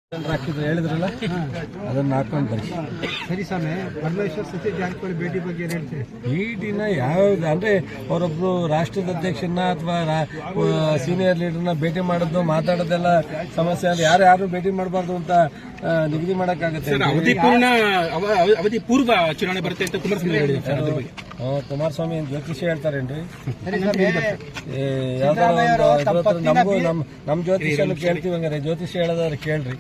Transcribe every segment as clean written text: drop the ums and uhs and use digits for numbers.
ಹಾಕಿದ್ರು ಹೇಳಿದ್ರಲ್ಲ ಅದನ್ನ ಹಾಕೊಂಡು ಬನ್ನಿ. ಸರಿ ಸ್ವಾಮಿ, ಪರಮೇಶ್ವರ್ ಸತೀಶ್ ಜಾರಕಿಹೊಳಿ ಭೇಟಿ ಬಗ್ಗೆ ಏನು ಹೇಳ್ತೀವಿ? ಭೇಟಿನ ಯಾವ್ದು ಅಂದ್ರೆ ಅವರೊಬ್ರು ರಾಷ್ಟ್ರದ ಅಧ್ಯಕ್ಷರನ್ನ ಅಥವಾ ಸೀನಿಯರ್ ಲೀಡರ್ನ ಭೇಟಿ ಮಾಡೋದು ಮಾತಾಡೋದೆಲ್ಲ ಸಮಸ್ಯೆ ಅಂದ್ರೆ ಯಾರು ಭೇಟಿ ಮಾಡಬಾರ್ದು ಅಂತ ನಿಗದಿ ಮಾಡಕ್ಕಾಗತ್ತೆ. ಅವಧಿ ಪೂರ್ವ ಚುನಾವಣೆ ಬರುತ್ತೆ ಅಂತ ಕುಮಾರಸ್ವಾಮಿ ಜ್ಯೋತಿಷಿ ಹೇಳ್ತಾರೇನ್ರಿ? ಯಾವ್ದಾರ ನಮಗೂ ನಮ್ ಜ್ಯೋತಿಷನ್ನು ಕೇಳ್ತೀವಿ. ಹಂಗಾರೆ ಜ್ಯೋತಿಷಿ ಹೇಳೋದಾದ್ರೆ ಕೇಳ್ರಿ.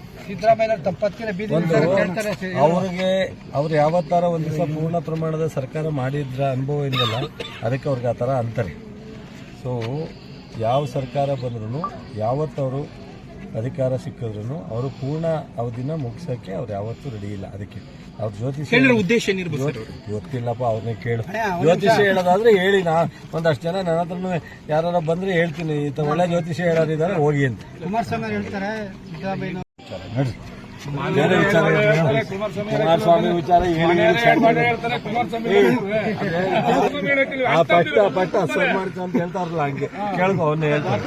ಅವ್ರು ಯಾವತ್ತಾರ ಒಂದ್ ದಿವಸ ಪೂರ್ಣ ಪ್ರಮಾಣದ ಸರ್ಕಾರ ಮಾಡಿದ್ರ ಅನುಭವ ಇಲ್ವಲ್ಲ, ಅದಕ್ಕೆ ಅವ್ರಿಗೆ ಆ ಥರ ಅಂತಾರೆ. ಸೊ ಯಾವ ಸರ್ಕಾರ ಬಂದ್ರು ಯಾವತ್ತವರು ಅಧಿಕಾರ ಸಿಕ್ಕಿದ್ರು ಅವರು ಪೂರ್ಣ ಅವಧಿನ ಮುಗಿಸೋಕ್ಕೆ ಅವ್ರು ಯಾವತ್ತೂ ರೆಡಿ ಇಲ್ಲ. ಅದಕ್ಕೆ ಅವ್ರ ಜ್ಯೋತಿಷಿ ಉದ್ದೇಶ ಗೊತ್ತಿಲ್ಲಪ್ಪ, ಅವ್ರನ್ನೇ ಕೇಳು. ಜ್ಯೋತಿಷಿ ಹೇಳೋದಾದ್ರೆ ಹೇಳಿ, ಒಂದಷ್ಟು ಜನ ನನ್ನ ಹತ್ರನೂ ಯಾರು ಬಂದ್ರೆ ಹೇಳ್ತೀನಿ, ಒಳ್ಳೆ ಜ್ಯೋತಿಷಿ ಹೇಳೋರಿದ್ದಾರೆ ಹೋಗಿ ಅಂತ. ಕುಮಾರಸ್ವಾಮಿ ಹೇಳ್ತಾರೆ ನೋಡ್ರಿ, ಬೇರೆ ವಿಚಾರ ಕುಮಾರಸ್ವಾಮಿ ವಿಚಾರ ಪಟ್ಟ ಸರ್ ಮಾಡ್ತಾ ಅಂತ ಹೇಳ್ತಾರಲ್ಲ, ಹಂಗೆ ಕೇಳ್ಕೊ, ಅವನ್ನೇ ಹೇಳ್ತಾರೆ.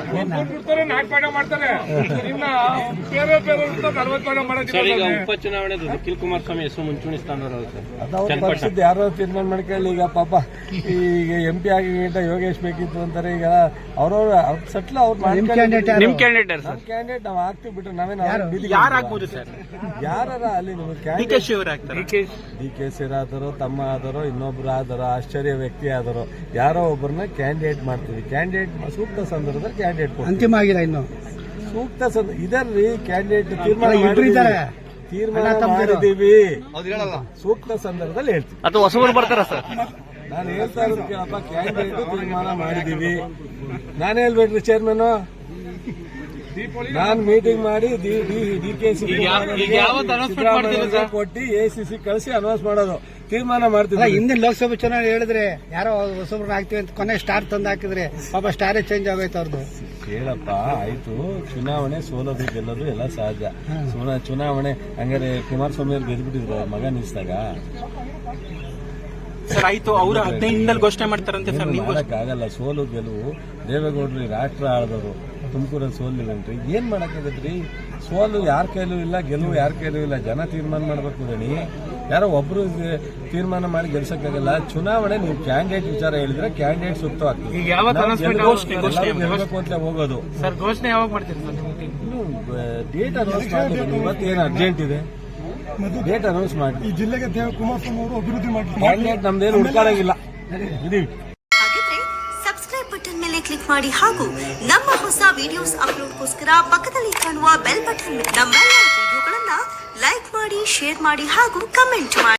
ಉಪಚುನಾವಣೆ ನಿಖಿಲ್ ಕುಮಾರಸ್ವಾಮಿ ಹೆಸರು ಮುಂಚೂಣಿ ಅದು ಪಕ್ಷದ ಯಾರೋ ತೀರ್ಮಾನ ಮಾಡ್ಕೊಳ್ಳಿ. ಈಗ ಪಾಪ ಈಗ MP ಆಗಿ ಯೋಗೇಶ್ ಬೇಕಿತ್ತು ಅಂತಾರೆ. ಈಗ ಅವ್ರವ್ರ ಸಟ್ಲ ಅವ್ರು ಕ್ಯಾಂಡಿಡೇಟ್ ನಾವು ಹಾಕ್ತಿವಿ ಬಿಟ್ರೆ ನಾವೇನು ಯಾರಾಗ್ಬೋದು ಸರ್? ಯಾರ ಅಲ್ಲಿ ನಿಮ್ಗೆ ಡಿ ಕೆ ಸಿ ಆದರೋ, ತಮ್ಮ ಆದರೋ, ಇನ್ನೊಬ್ರು ಆದರೋ, ಆಶ್ಚರ್ಯ ವ್ಯಕ್ತಿ ಆದರೋ, ಯಾರೋ ಒಬ್ಬರನ್ನ ಕ್ಯಾಂಡಿಡೇಟ್ ಮಾಡ್ತೀವಿ. ಕ್ಯಾಂಡಿಡೇಟ್ ಸೂಕ್ತ ಸಂದರ್ಭದಲ್ಲಿ ಕ್ಯಾಂಡಿಡೇಟ್ ಅಂತಿಮ ಆಗಿಲ್ಲ, ಇನ್ನು ಸೂಕ್ತ ಇದರ್ರಿ ಕ್ಯಾಂಡಿಡೇಟ್ ತೀರ್ಮಾನ ಮಾಡಿದೀವಿ. ಸೂಕ್ತ ಸಂದರ್ಭದಲ್ಲಿ ಹೇಳ್ತೀವಿ. ಅಥವಾ ಹೊಸಬರು ಬರ್ತಾರ ಸರ್? ನಾನು ಹೇಳ್ತಾ ಇರೋದು ಕೇಳಪ್ಪ, ಕ್ಯಾಂಡಿಡೇಟ್ ತೀರ್ಮಾನ ಮಾಡಿದೀವಿ. ನಾನು ಹೇಳ್ಬೇಡ್ರಿ ಚೇರ್ಮನ್, ನಾನು ಮೀಟಿಂಗ್ ಮಾಡಿ DKC ಕೊಟ್ಟು ACC ಕಳಿಸಿ ಅನೌನ್ಸ್ ಮಾಡೋದು, ತೀರ್ಮಾನ ಮಾಡ್ತಿದ್ದೆ. ಹಿಂದಿನ ಲೋಕಸಭೆ ಚುನಾವಣೆ ಹೇಳಿದ್ರೆ ಯಾರೋ ಹೊಸಬ್ರನ್ನ ಹಾಕ್ತಿವಿ ಅಂತ ಕೊನೆ ಸ್ಟಾರ್ ತಂದು ಹಾಕಿದ್ರೆ ಪಾಪ ಸ್ಟಾರೇ ಚೇಂಜ್ ಆಗೋಯ್ತು ಅವ್ರದ್ದು. ಕೇಳಪ್ಪ, ಆಯ್ತು, ಚುನಾವಣೆ ಸೋಲೋದು ಗೆಲ್ಲೋದು ಎಲ್ಲ ಸಹಜ. ಚುನಾವಣೆ ಹಂಗಾರೆ ಕುಮಾರಸ್ವಾಮಿ ಅವ್ರು ಗೆದ್ಬಿಟ್ಟಿದ್ರು ಮಗ ನಿಲ್ಸಿದಾಗ ಸರ್. ಆಯ್ತು, ಅವರು 15 ಘೋಷಣೆ ಮಾಡ್ತಾರಂತೆ ಸರ್. ಆಗಲ್ಲ, ಸೋಲು ಗೆಲುವು. ದೇವೇಗೌಡರು ರಾಷ್ಟ್ರ ಆಳಿದವರು, ತುಮಕೂರಲ್ಲಿ ಸೋಲಿಲ್ಲಂಟ್ರಿ, ಏನ್ ಮಾಡಕ್ಕಾಗತ್ರಿ? ಸೋಲು ಯಾರ ಕೈಲೂ ಇಲ್ಲ, ಗೆಲುವು ಯಾರ ಕೈಲೂ ಇಲ್ಲ. ಜನ ತೀರ್ಮಾನ ಮಾಡ್ಬೇಕು ಗಣಿ, ಯಾರೋ ಒಬ್ರು ತೀರ್ಮಾನ ಮಾಡಿ ಗೆಲ್ಸಕ್ಕಾಗಲ್ಲ. ಚುನಾವಣೆ ನೀವು ಕ್ಯಾಂಡಿಡೇಟ್ ವಿಚಾರ ಹೇಳಿದ್ರೆ ಕ್ಯಾಂಡಿಡೇಟ್ ಸೂಕ್ತವಾಗ್ತದೆ. ಗೆಲ್ಬೇಕು ಅಂತ ಹೋಗೋದು. ಸರ್, ಘೋಷಣೆ ಯಾವಾಗ ಮಾಡ್ತೀರಿ? ಡೇಟ್ ಅನೌನ್ಸ್ ಮಾಡಿ. ಇವತ್ತೇನು ಅರ್ಜೆಂಟ್ ಇದೆ, ಡೇಟ್ ಅನೌನ್ಸ್ ಮಾಡಿ. ಈ ಜಿಲ್ಲೆಗೆ ಕುಮಾರಸ್ವಾಮಿ ಅವರು ಅಭಿವೃದ್ಧಿ ಮಾಡಿ ಕ್ಯಾಂಡಿಡೇಟ್ ನಮ್ದೇನು ಹುಡ್ಕಾಡಂಗಿಲ್ಲ. ಇದೀವಿ. ಸಬ್ಸ್ಕ್ರೈಬ್ ಬಟನ್ ಮೇಲೆ ಕ್ಲಿಕ್ ಮಾಡಿ ಹಾಗೂ ನಮ್ಮ ಹೊಸ ವಿಡಿಯೋಸ್ ಅಪ್ಲೋಡ್ಗೋಸ್ಕರ ಪಕ್ಕದಲ್ಲಿ ಕಾಣುವ ಬೆಲ್ ಬಟನ್ ನಮ್ಮೆಲ್ಲ ವಿಡಿಯೋಗಳನ್ನ ಲೈಕ್ ಮಾಡಿ, ಶೇರ್ ಮಾಡಿ ಹಾಗೂ ಕಮೆಂಟ್ ಮಾಡಿ.